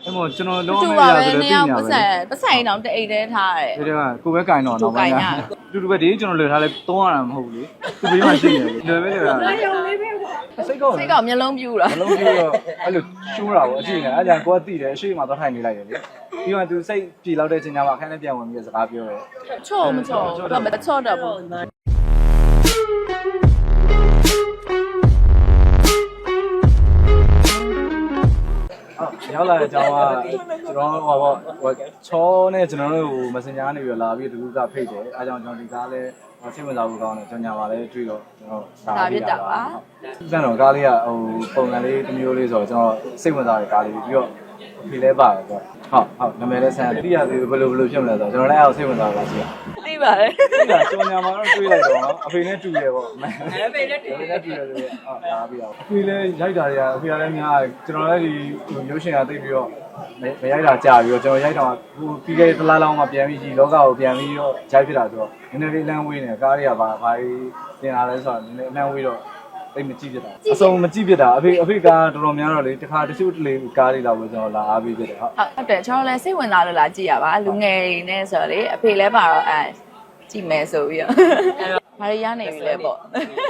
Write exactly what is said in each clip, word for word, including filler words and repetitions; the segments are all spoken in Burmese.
အဲ့မို့ကျွန်တော်လုံးဝမရဆိုတူပါပဲတော့နေသိအောင်ညာပတ်ပဲစံပတ်စံရင်တော့တအိတ်တဲထားတယ်ဒီကကိုပဲကင်တော့တူတော့ကင်ရတူတူပဲဒီကျွန်တော်လွယ်ထားလဲသုံးရတာမဟုတ်ဘူးလေသူဘေးမှာရှိနေတယ်လွယ်ပဲလွယ်တာစိတ်ကောစိတ်ကောင်မျက်လုံးပြူတာမလုံးပြတော့အဲ့လိုရှိုးတာပေါ့အကြည့်နေအဲ့ဒါကိုကသိတယ်အရှိမတော့ထိုင်နေလိုက်တယ်လေပြီးတော့သူစိတ်ပြေလောက်တဲ့ချိန်ကျမှအခန်းထဲပြန်ဝင်ပြီးစကားပြောတယ်ချော့မချော့တော့မချော့တော့ဘူးရောက်လာတဲ့အကြောင်းကကျွန်တော်ဟောပေါ့ချောနဲ့ကျွန်တော်တို့ဟို Messenger ကနေပြီးလာပြီးတူကဖိတ်တယ်အဲကြောင့်ကျွန်တော်ဒီကားလဲစိတ်ဝင်စားဖို့ကောင်းတယ်ကျွန်ညာပါလဲတွေ့တော့ကျွန်တော်ဒါပြတာပါစံတော်ကားလေးကဟိုပုံစံလေးတစ်မျိုးလေးဆိုတော့ကျွန်တော်စိတ်ဝင်စားတဲ့ကားလေးပြီးတော့ဒီလဲပါတယ်ဆိုတော့ဟုတ်ဟုတ်နာမည်လဲဆန်းတိရသေးဘယ်လိုဘယ်လိုဖြစ်မလဲဆိုတော့ကျွန်တော်လည်းအဲ့စိတ်ဝင်စားတာရှိတာသိပါတယ်ဒီကကျွန်ညာမှာတော့တွေ့လိုက်တော့အဖေနဲ့တူတယ်ပေါ့အဖေနဲ့တူအဖေနဲ့တူတယ်ဆိုတော့အာဒါပြီးတော့အဖေလည်းရိုက်တာတွေကအဖေကလည်းများကျွန်တော်လည်းဒီရုပ်ရှင်ကသိပြီးတော့မရိုက်တာကြာပြီးတော့ကျွန်တော်ရိုက်တော့ဟိုပြီးခဲ့တဲ့တစ်လားလောင်းမှပြန်ပြီးကြီးလောကကိုပြန်ပြီးတော့ဂျိုက်ဖြစ်တာဆိုတော့နည်းနည်းလေးလမ်းဝေးနေကားတွေကဘာဘာတင်လာလဲဆိုတော့နည်းနည်းလမ်းဝေးတော့တိတ်မကြည့်ဖြစ်တာအစုံမကြည့်ဖြစ်တာအဖေအဖေကတော်တော်များတော့လေတခါတချို့တလေကားတွေလောက်ပဲကျွန်တော်လာအားပေးဖြစ်တယ်ဟုတ်ဟုတ်တယ်ကျွန်တော်လည်းစိတ်ဝင်စားလို့လာကြည့်ရပါလူငယ်တွေနဲ့ဆိုတော့လေအဖေလည်းပါတော့အဲကြည့်မယ်ဆိုပြီးတော့ဘာတွေရနေပြီလဲပေါ့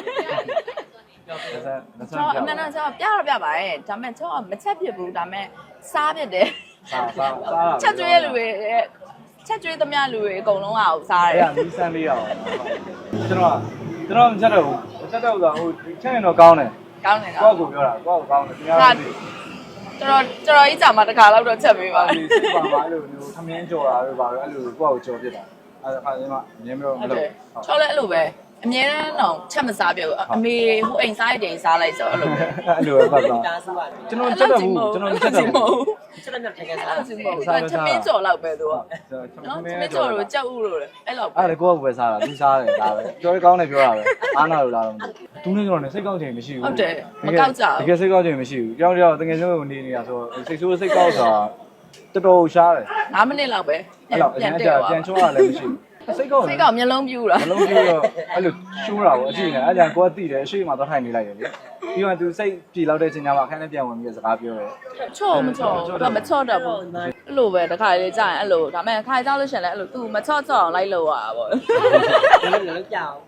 ကျွန်တော်အမှန်တော့ကျွန်တော်ပြတော့ပြပါတယ်ဒါပေမဲ့ကျွန်တော်မချက်ပြဘူးဒါပေမဲ့စားပြတယ်စားစားစားချက်ကျွေးလူတွေချက်ကျွေးသမျှလူတွေအကုန်လုံးကစားတယ်အဲ့ဒါမီးစမ်းလေးရအောင်ကျွန်တော်ကျွန်တော်မချက်တော့ဘူးချက်တော့ဟိုချက်ရင်တော့ကောင်းတယ်ကောင်းတယ်ကိုကောယ့်ကိုပြောတာကိုယ့်ကိုကောင်းတယ်ခင်ဗျားတို့တော်တော်တော်ကြီးကြာမှတစ်ခါလောက်တော့ချက်ပေးပါဒီစိတ်ပါပါလို့မျိုးသမင်းကြော်တာတို့ပါတော့အဲ့လိုကိုယ့်ကိုကြော်ပြစ်တာအဲ့ဒါခါကျမှအမြင်မျိုးမလုပ်ချောလဲအဲ့လိုပဲအမြဲတမ်းတော့ချက်မစားပြဘူးအမေဟိုအိမ်စားတဲ့အိမ်စားလိုက်ဆိုအဲ့လိုပဲအဲ့လိုပဲပတ်သွားကျွန်တော်ချက်တော့ဘူးကျွန်တော်ချက်တော့ဘူးချက်တော့ထိုင်ခဲ့စားအဲ့လိုမဟုတ်ဘူးချက်မင်းကြော်လောက်ပဲသူကနော်ချက်မင်းကြော်လို့ကြောက်ဥလို့လေအဲ့လောက်အဲ့ဒါကိုယ့်ကိုပဲစားတာသူစားတယ်ဒါပဲပြောရကောင်းတယ်ပြောတာပဲအားနာလို့လားတော့သူနဲ့ကျွန်တော်နဲ့စိတ်ကောက်ချိန်မရှိဘူးဟုတ်တယ်မကောက်ကြတကယ်စိတ်ကောက်ချိန်မရှိဘူးကြောက်ကြောက်တကယ်ဆုံးနေနေတာဆိုစိတ်ဆိုးစိတ်ကောက်ဆိုတာတော်တော်ရှားတယ်၅မိနစ်လောက်ပဲအဲ့တော့အရင်ကပြန်ချိုးရလည်းမရှိဘူးစိတ်ကောက်စိတ်ကောက်မျက်လုံးပြူတာမလုံးပြတော့အဲ့လိုရှိုးတာပေါ့အကြည့်နေအဲ့ဒါကိုကသိတယ်အရှိမတော့ထိုင်နေလိုက်တယ်လေပြီးတော့သူစိတ်ပြေလောက်တဲ့ချိန်ကျမှအခန်းထဲပြန်ဝင်ပြီးစကားပြောတယ်ချော့မချော့တော့မချော့တော့ဘူးအဲ့လိုပဲတခါလေးကြာရင်အဲ့လိုဒါပေမဲ့ခါကြောက်လို့ရှင်လဲအဲ့လို तू မချော့ချော့အောင်လိုက်လို့ရတာပေါ့လည်းလည်းကြောက်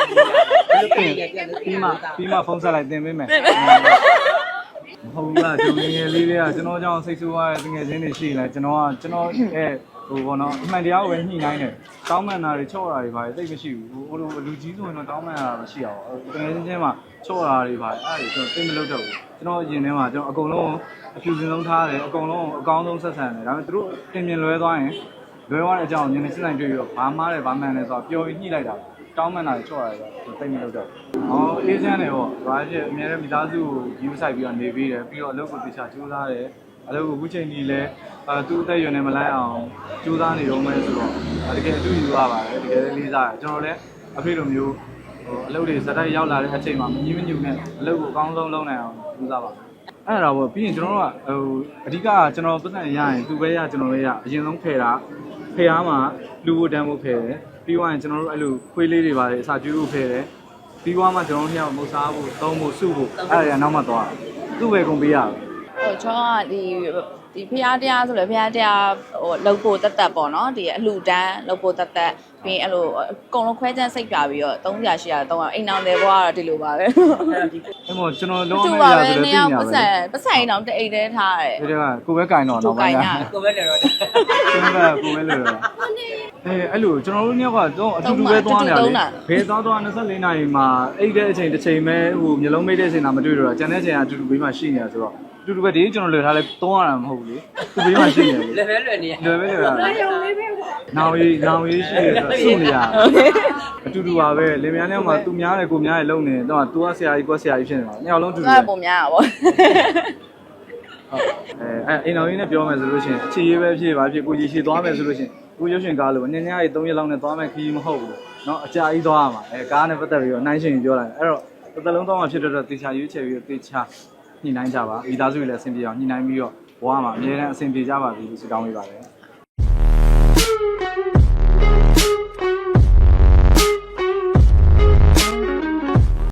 ပြီးမှပြီးမှဖုန်းဆက်လိုက်တင်ပေးမယ်မဟုတ်လားကျွန်တော်ငယ်လေးတွေကကျွန်တော်ကြောင့်စိတ်ဆိုးရတဲ့ငယ်ချင်းတွေရှိနေကျွန်တော်ကကျွန်တော်အဲဟိုဘောနော်အမှန်တရားကိုပဲညှိနှိုင်းတယ်တောင်းမှန်တာတွေချော့တာတွေပါတိတ်မရှိဘူးဟိုလိုလူကြီးဆိုရင်တော့တောင်းမှန်တာမရှိအောင်ငယ်ချင်းချင်းမှာချော့တာတွေပါအဲ့ဒါကျွန်တော်သိမလို့တော့ဘူးကျွန်တော်ရင်ထဲမှာကျွန်တော်အကုန်လုံးအဖြူစင်ဆုံးထားတယ်အကုန်လုံးအကောင်းဆုံးဆက်ဆံတယ်ဒါပေမဲ့သူတို့ပြင်ပြင်လွဲသွားရင်လွဲသွားတဲ့အကြောင်းညနေစစ်နိုင်တွေ့ပြီးတော့ဘာမှလည်းဘာမှန်လဲဆိုတော့ပျော်ပြီးညှိလိုက်တာတောင်းမှန်တာတွေချော့ရတယ်ဆိုတော့သိမလို့တော့ဟောအေးချမ်းတယ်ပေါ့ဘာဖြစ်အများနဲ့မိသားစုကိုယူဆိုင်ပြီးတော့နေပြီးတယ်ပြီးတော့အလုပ်ကိုတခြားကြိုးစားတယ်အလုပ်ကိုအခုချိန်ကြီးလဲအဲသူ့အသက်အရွယ်နဲ့မလိုက်အောင်ကြိုးစားနေတော့မယ်ဆိုတော့တကယ်အတူယူရပါတယ်တကယ်လေးစားတယ်ကျွန်တော်လည်းအဖေလိုမျိုးဟိုအလုပ်တွေစတိုက်ရောက်လာတဲ့အချိန်မှာမကြီးမညူနဲ့အလုပ်ကိုအကောင်းဆုံးလုပ်နိုင်အောင်ကြိုးစားပါအဲ့ဒါပေါ့ပြီးရင်ကျွန်တော်တို့ကဟိုအဓိကကျွန်တော်ပတ်သက်ရရင်သူပဲရကျွန်တော်လည်းရအရင်ဆုံးဖယ်တာဖယ်အားမှာလူဖို့တန်းဖို့ဖယ်တယ်ပြီးသွားရင်ကျွန်တော်တို့အဲ့လိုခွေးလေးတွေပါတယ်အစာကျွေးဖို့ဖယ်တယ်ပြီးသွားမှကျွန်တော်တို့ညမုတ်စားဖို့သုံးဖို့စုဖို့အဲ့ဒါကနောက်မှသွားသူ့ပဲကုန်ပေးရပဲဟိုကျွန်တော်ကဒီဒီဖျားတရားဆိုလဲဖျားတရားဟိုလှုပ်ဖို့တက်တက်ပေါ့နော်ဒီအလှတန်းလှုပ်ဖို့တက်တက်ပြီးအဲ့လိုအကုန်လုံးခွဲချမ်းစိတ်ပြပြီးတော့သုံးရာရှိရာတော့အိမ်အောင်တယ်ဘွားကတော့ဒီလိုပါပဲအဲ့မို့ကျွန်တော်လုံးဝမရဆိုတော့သိညာပဲပတ်စံပတ်စံရင်တော့တအိတ်တဲထားတယ်ဒီကကိုပဲကင်တော့တော့ကိုင်ရကိုပဲလည်းတော့ကျွန်တော်ကကိုပဲလို့တော့အဲအဲ့လိုကျွန်တော်တို့ညကတော့အတူတူပဲသွားနေရတယ်ဘယ်သွားသွား၂၄နာရီမှာအိတ်တဲ့အချိန်တစ်ချိန်ပဲဟိုမျိုးလုံးမိတ်တဲ့အချိန်လာမတွေ့တော့ကျန်တဲ့အချိန်ကအတူတူဘေးမှာရှိနေတာဆိုတော့အတူတူပဲဒီကျွန်တော်လွယ်ထားလဲသုံးရတာမဟုတ်ဘူးလေသူဘေးမှာရှိနေတယ်လည်းပဲလွယ်နေလွယ်ပဲလွယ်တာနောင်ရီနောင်ရီရှိနေဆိုစုနေရအတူတူပါပဲလင်မယားနဲ့မှသူများတယ်ကိုများတယ်လုံနေတော့ तू ကဆရာကြီးကိုဆရာကြီးဖြစ်နေတာညောင်လုံးတူတူအဲ့ပုံများတာပေါ့အဲအဲအိမ်တော်ကြီးနဲ့ပြောမယ်ဆိုလို့ရှိရင်အခြေရေးပဲဖြစ်ပါဖြစ်ကိုကြီးရှိသွားမယ်ဆိုလို့ရှိရင်ကိုရုပ်ရှင်ကားလို့ညညရေး၃ရက်လောက်နဲ့သွားမယ်ခီးမဟုတ်ဘူးเนาะအကြာကြီးသွားရမှာအဲကားနဲ့ပတ်သက်ပြီးတော့နှိုင်းရှင်ပြောလိုက်အဲ့တော့တစ်သက်လုံးသွားမှဖြစ်တော့တေချာရွေးချယ်ပြီးတေချာညှိနှိုင်းကြပါမိသားစုတွေလည်းအဆင်ပြေအောင်ညှိနှိုင်းပြီးတော့ဘဝမှာအများနဲ့အဆင်ပြေကြပါပြီလို့ဆုတောင်းပေးပါတယ်